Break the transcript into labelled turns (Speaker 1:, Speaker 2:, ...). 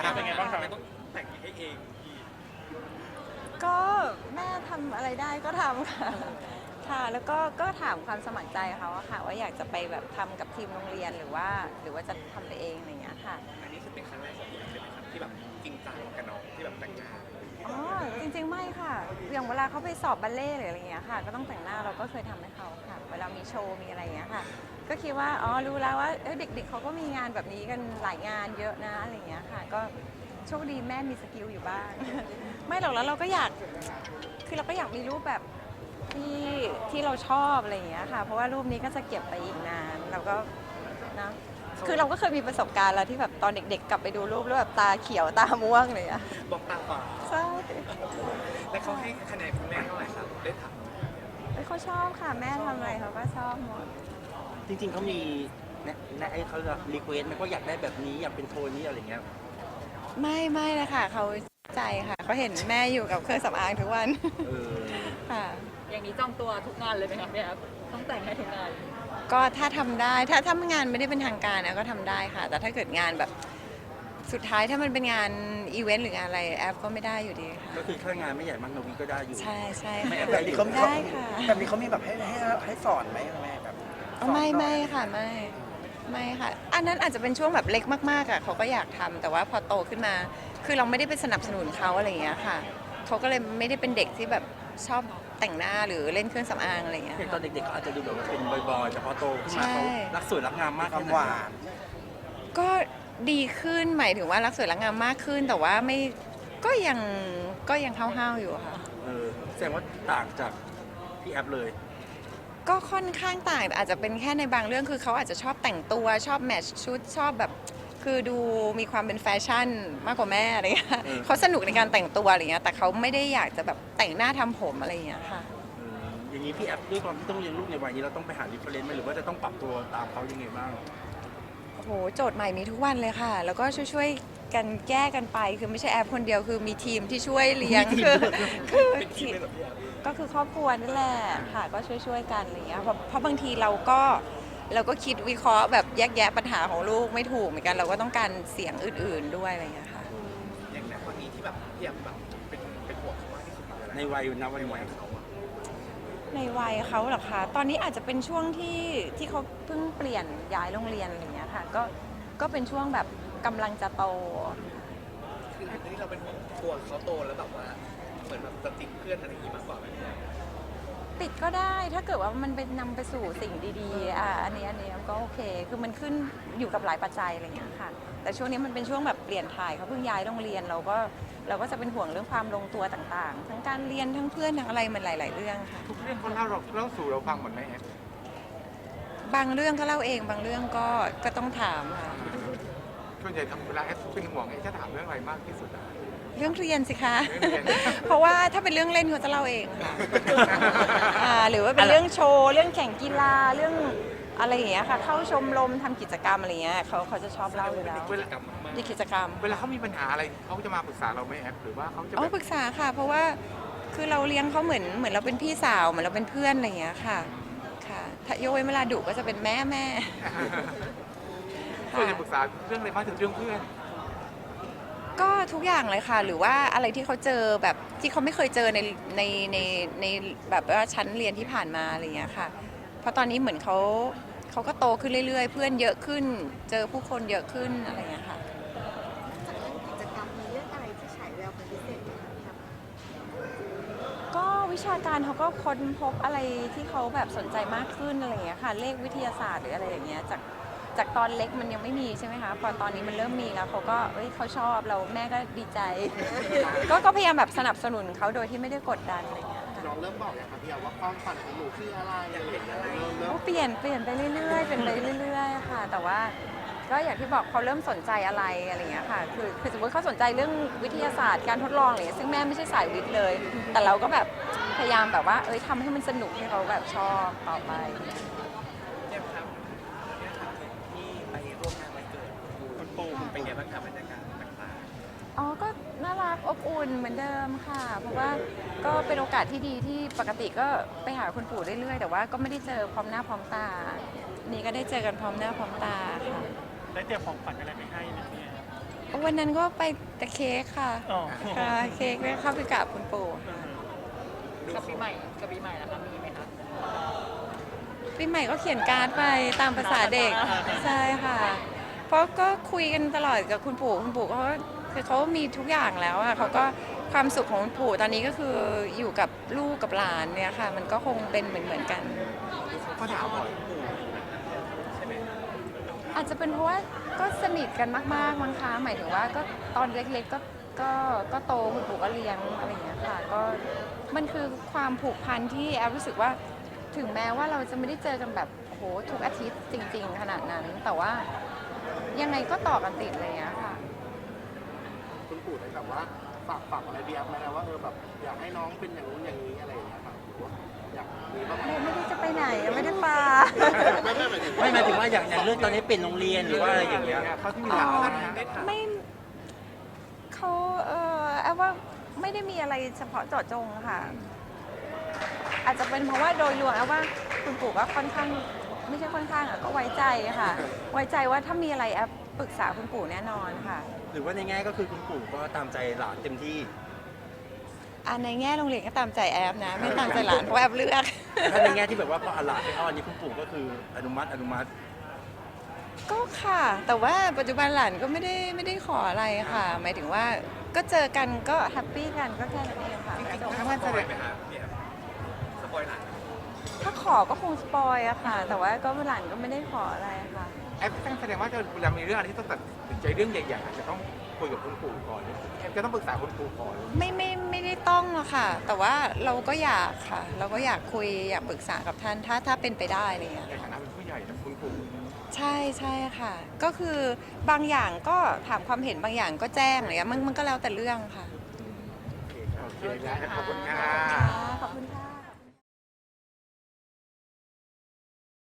Speaker 1: เป็นไงบ้างทำไมต้องแต่งให้เองพี่
Speaker 2: ก็แม่ทำอะไรได้ก็ทำค่ะค่ะแล้วก็ถามความสมัครใจเขาอะค่ะว่าอยากจะไปแบบทำกับทีมโรงเรียนหรือว่าจะทำไปเองอะไรอย่างเงี้ยค่ะ
Speaker 1: อันนี้คือเป็นครั้งแรกของพี่ใช่ไหมครับที่แบบจริงจังกับน้องที่แบบแต่งงาน
Speaker 2: อ๋อจริงๆไม่ค่ะอย่างเวลาเขาไปสอบบัลเล่ต์หรืออะไรอย่างเงี้ยค่ะก็ต้องแต่งหน้าเราก็เคยทำให้เขาค่ะเวลามีโชว์มีอะไรอย่างเงี้ยค่ะก็คิดว่าอ๋อรู้แล้วว่าเด็กๆเขาก็มีงานแบบนี้กันหลายงานเยอะนะอะไรอย่างเงี้ยค่ะก็โชคดีแม่มีสกิลอยู่บ้างไม่หรอกแล้วเราก็อยากคือเราก็อยากมีรูปแบบที่เราชอบอะไรอย่างเงี้ยค่ะเพราะว่ารูปนี้ก็จะเก็บไปอีกนานเราก็นะคือเราก็เคยมีประสบการณ์แล้วที่แบบตอนเด็กๆกลับไปดูรูปแล้วแบบตาเขียวตาม่วงเลยอะ
Speaker 1: บอกตาฝาด
Speaker 2: ใช่
Speaker 1: แล้วเขาให้คะแนนคุณแม่เท่าไหร่ครับได้ถาม
Speaker 2: เขาชอบค่ะแม่ทำอะไรเขาก็ชอบหมด
Speaker 3: จริงๆเขามีไอ้เขารีเควสต์ไหมว่าอยากได้แบบนี้อยากเป็นโทนนี้อะไรเงี้ย
Speaker 2: ไม่เลยค่ะเขาใจค่ะเขาเห็นแม่อยู่กับเครื่องสำอางทุกวัน
Speaker 3: เออ
Speaker 2: ค่ะ
Speaker 4: อย่างนี้จองตัวทุกงานเลยไหมคะพี่แอฟต้องแต่งให้ทุกงาน
Speaker 2: ก็ถ้าทำได้ถ้างานไม่ได้เป็นทางการนะก็ทำได้ค่ะ แต่ถ้าเกิดงานแบบสุดท้ายถ้ามันเป็นงานอีเวนต์หรืองานอะไรแอปก็ไม่ได้อยู่ดีค่ะ
Speaker 3: ก็คือถ้างานไม่ใหญ่มากนวีก็ได้อยู่
Speaker 2: ใช่
Speaker 3: ไม่
Speaker 2: ค่ะ
Speaker 3: แบบนี้เขา
Speaker 2: ได้ค่ะ
Speaker 5: แบบนี้เขามีแบบให้สอนไหมแม่แบบสอน
Speaker 2: ไม่ค่ะไม่ค่ะอันนั้นอาจจะเป็นช่วงแบบเล็กมากๆอ่ะเขาก็อยากทำแต่ว่าพอโตขึ้นมา คือเราไม่ได้ไปสนับสนุนเขาอะไรอย่างเงี้ยค่ะเขาก็เลยไม่ได้เป็นเด็กที่แบบชอบแต่งหน้าหรือเล่นเครื่องสำอางอะไรอย่างเงี้ย
Speaker 3: อย่างตอ
Speaker 2: ค่ะ
Speaker 3: นเด็กๆเขาอาจจะดูแบบว่าเป็นบอยๆแต่พอโตขึ้นมา
Speaker 2: ใช่
Speaker 3: เขารักสวยรักงามมาก
Speaker 5: ความ
Speaker 3: ขึ้น
Speaker 5: หวาน
Speaker 2: ก็ดีขึ้นหมายถึงว่ารักสวยรักงามมากขึ้น แต่ว่าไม่ก็ยังห้าวๆอยู่ค่ะ
Speaker 3: แสดงว่าต่างจากพี่แอฟเลย
Speaker 2: ก็ค่อนข้างต่างแต่อาจจะเป็นแค่ในบางเรื่องคือเขาอาจจะชอบแต่งตัวชอบแมทช์ชุดชอบแบบคือดูมีความเป็นแฟชั่นมากกว่าแม่อะไรเงี้ยเขาสนุกในการแต่งตัวอะไรเงี้ยแต่เขาไม่ได้อยากจะแบบแต่งหน้าทำผมอะไรเงี้ยค่ะ
Speaker 3: อย่างนี้พี่แอฟด้วยความที่ต้องเรียนลูกในวัยนี้เราต้องไปหารีเฟรนซ์ไหมหรือว่าจะต้องปรับตัวตามเขายังไงบ้าง
Speaker 2: โอ้โหโจทย์ใหม่มีทุกวันเลยค่ะ แล้วก็ช่วยๆกันแก้กันไปคือไม่ใช่แอปคนเดียวคือมีทีมที่ช่วยเลี้ยงคือ
Speaker 1: เป็นทีมเลยเหรอพี่แอฟ
Speaker 2: ก็คือครอบครัวนั่นแหละค่ะก็ช่วยๆกันอะไรเงี้ยเพราะบางทีเราก็คิดวิเคราะห์แบบแยกแยะปัญหาของลูกไม่ถูกเหมือนกันเราก็ต้องการเสียงอื่นๆด้วยอะไรเงี้ยค่ะ
Speaker 1: อย่างนั้นวันนี้ที่แบบพี่แอฟแบบเป็นห่วงเขามากที่สุดคืออะไร
Speaker 3: ในวัยนะวัน
Speaker 1: ใน
Speaker 3: นี้
Speaker 1: วัยเขาอะ
Speaker 2: ในวัยเขาเหรอคะตอนนี้อาจจะเป็นช่วงที่เขาเพิ่งเปลี่ยนย้ายโรงเรียนอะไรเงี้ยค่ะก็เป็นช่วงแบบกำลังจะโต
Speaker 1: คืออันนี้เราเป็นห่วงตัวเขาโตแล้วแบบว่าเหมือนแบบจะติดเพื่อนอะไรอย่างงี้มากกว่าไหมพี่แอฟ
Speaker 2: ติดก็ได้ถ้าเกิดว่ามันเป็นนำไปสู่สิ่งดีๆอันนี้ก็โอเคคือมันขึ้นอยู่กับหลายปัจจัยอะไรเงี้ยค่ะแต่ช่วงนี้มันเป็นช่วงแบบเปลี่ยนถ่ายเขาเพิ่งย้ายโรงเรียนเราก็จะเป็นห่วงเรื่องความลงตัวต่างๆ ทั้งการเรียนทั้งเพื่อนทั้งอะไรมันหลายๆเรื่องค่ะ
Speaker 1: ทุกเรื่องเขาเล่าสู่เราฟังหมดไหมแอฟ
Speaker 2: บางเรื่องก็เล่าเองบางเรื่องก็ต้องถามค่ะ
Speaker 1: ส่วนใหญ่ทำเวลาแอฟเป็นห่วงจะถามเรื่องอะไรมากที่สุดอะ
Speaker 2: เรื่องเรียนสิคะ
Speaker 1: เรื่องเรียน
Speaker 2: เพราะว่าถ้าเป็นเรื่องเล่นเขาจะเล่าเองค่ะ หรือว่าเป็นเรื่องโชว์เรื่องแข่งกีฬาเรื่องอะไรอย่างเงี้ยค่ะเข้าชมรมทำกิจกรรมอะไรเงี้ยเขาจะชอบเล่าอยู่แล้ว
Speaker 1: เวลากลับมา
Speaker 2: ในกิจกรรม
Speaker 1: เวลาเขามีปัญหาอะไรเขาจะมาปรึกษาเราไหมแอฟหรือว่าเขาจะ
Speaker 2: อ๋อ
Speaker 1: แบบ
Speaker 2: ปรึกษาค่ะ เพราะว่าคือเราเลี้ยงเขาเหมือนเราเป็นพี่สาวเหมือนเราเป็นเพื่อนอะไรอย่างเงี้ยค่ะค่ะถ้ายกเว้นเวลาดุก็จะเป็นแม่
Speaker 1: ส่วนใหญ่ปรึกษาเรื่องอะไรมากถึงเรื่องเพื่อน
Speaker 2: ก็ทุกอย่างเลยค่ะ หรือว่าอะไรที่เขาเจอแบบที่เขาไม่เคยเจอในแบบว่าชั้นเรียนที่ผ่านมาอะไรอย่างเงี้ยค่ะเพราะตอนนี้เหมือนเขาก็โตขึ้นเรื่อยๆ เพื่อนเยอะขึ้น เจอผู้คนเยอะขึ้นอะไรอย่างเงี้ยค่ะ
Speaker 6: กิจกรรมมีเรื่องอะไรที่ฉายแววเป็นพิเศษไหมคะพี่แอฟ
Speaker 2: ก็วิชาการเขาก็ค้นพบอะไรที่เขาแบบสนใจมากขึ้นอะไรอย่างเงี้ยค่ะเลขวิทยาศาสตร์หรืออะไรอย่างเงี้ยจากตอนเล็กมันยังไม่มีใช่ไหมคะพอตอนนี้มันเริ่มมีแล้วเขาก็เขาชอบเราแม่ก็ดีใจ ก็พยายามแบบสนับสนุนเขาโดยที่ไม่ได้กดดันอะไรอย่างเงี้ยค่ะ
Speaker 5: เราเริ่มบอกอย่างครับพี่ว่าความฝันของหนูคืออะไรอยากเห็นอะไรเริ่ม
Speaker 2: ก็เปลี่ยนไปเรื่อยๆเป็นไปเรื่อยๆค่ะแต่ว่าก็อย่างที่บอกเขาเริ่มสนใจอะไรอะไรอย่างเงี้ยค่ะคือสมมติเขาสนใจเรื่องวิทยาศาสตร์การทดลองอะไรอย่างเงี้ยซึ่งแม่ไม่ใช่สายวิทย์เลย แต่เราก็แบบพยายามแบบว่าทำให้มันสนุกให้เขาแบบชอบต่อไป
Speaker 1: เนี่ยครับที่ไปร่วมงานวันเกิดคุณปู่เป็นไงบ้างครับบรรยากาศต่าง
Speaker 2: อ๋อ ก็น่ารักอบอุ่นเหมือนเดิมค่ะ เพราะว่าก็เป็นโอกาสที่ดีที่ปกติก็ไปหาคุณปู่เรื่อยๆ แต่ว่าก็ไม่ได้เจอพร้อมหน้าพร้อมตา นี่ก็ได้เจอกันพร้อมหน้าพร้อมตาค่ะ
Speaker 1: ได้เตรียมของขวัญอะไรไปให้ไหมพี่
Speaker 2: วันนั้นก็ไปแต่เค้กค่ะค่ะเค้กได้เข้าไปกราบคุณปู่ค่ะ
Speaker 4: กับปีใหม่นะคะมีไหมคะ
Speaker 2: ปีใหม่ก็เขียนการ์ดไปตามภาษาเด็กใช่ค่ะ เพราะก็คุยกันตลอดกับคุณปู่เขาคือเขามีทุกอย่างแล้วอะเขาก็ความสุขของคุณปู่ตอนนี้ก็คืออยู่กับลูกกับหลานเนี่ยค่ะ มันก็คงเป็นเหมือนกัน
Speaker 5: เขาถามบ่อย
Speaker 1: ใช่ไหม
Speaker 2: อาจจะเป็นเพราะว่าก็สนิทกันมากๆมั้งคะหมายถึงว่าก็ตอนเล็กๆก็โตคุณปู่ก็เลี้ยงอะไรอย่างเงี้ยค่ะก็มันคือความผูกพันที่แอฟรู้สึกว่าถึงแม้ว่าเราจะไม่ได้เจอกันแบบโอ้โหทุกอาทิตย์จริงๆขนาดนั้น แต่ว่ายังไงก็ต่อกันติดเลยอะค่ะ
Speaker 5: คุณปู่ได้แบบว่าฝากอะไรเบียร์ไหมนะว่าแบบอยากให้น้องเป็นอย่างนู้นอย่างนี้อะไรอย่างเงี้ยครับหรือว่าอยากมีบ้างไหม
Speaker 2: ไม่ได้จะไปไหนไม่ได้ปา
Speaker 3: ไม่หมายถึงว่าอย่างเรื่องตอนนี้เปลี่ยนโรงเรียนหรือว่าอะไรอย่างเงี้ย
Speaker 5: เขาที่มีหลานแล้วนะ
Speaker 1: ได้ถาม
Speaker 2: ไม่เขาแอฟว่าไม่ได้มีอะไรเฉพาะเจาะจงค่ะ อาจจะเป็นเพราะว่าโดยรวมแอฟว่าคุณปู่ก็ค่อนข้างไม่ใช่ค่อนข้างอ่ะก็ไว้ใจค่ะ ไว้ใจว่าถ้ามีอะไรแอฟปรึกษาคุณปู่แน่นอนค่ะ
Speaker 3: หรือว่าในแง่ก็คือคุณปู่ก็ตามใจหลานเต็มที่
Speaker 2: ในแง่โรงเรียนก็ตามใจแอฟนะ ไม่ตามใจหลานเพราะแอฟเลือก
Speaker 3: ถ้าในแง่ที่แบบว่าพอเอาหลานไปอ้อนนี่คุณปู่ก็คืออนุมัติ
Speaker 2: ก็ค่ะ แต่ว่าปัจจุบันหลานก็ไม่ได้ขออะไรค่ะ หมายถึงว่าก็เจอกันก็แฮปปี้กันก็แค่นั้นเองค่ะ
Speaker 1: จริงๆถ้าสปอยไหมคะเนี่ยสปอยหลัง
Speaker 2: ถ้าขอก็คงสปอยอะค่ะ แต่ว่าก็หลานก็ไม่ได้ขออะไรค่ะ
Speaker 5: แอปแสดงว่าเวลามีเรื่องอะไรที่ต้องตัดสินใจเรื่องใหญ่ๆจะต้องคุยกับคุณปู่ก่อนแอปจะต้องปรึกษาคุณปู่ก่อน
Speaker 2: ไม่ได้ต้องหรอกค่ะ แต่ว่าเราก็อยากค่ะ เราก็อยากคุยอยากปรึกษากับท่านถ้าเป็นไปได้อะไรเงี้ย
Speaker 5: ในฐานะเป็นผู้ใหญ่นะคุณปู่
Speaker 2: ใช่ค่ะ ก็คือบางอย่างก็ถามความเห็นบางอย่างก็แจ้งอะไรเงี้ยมันก็แล้วแต่เรื่องค่ะ
Speaker 5: โอเคนะขอบคุณค่ะ
Speaker 2: ขอบคุณค่ะ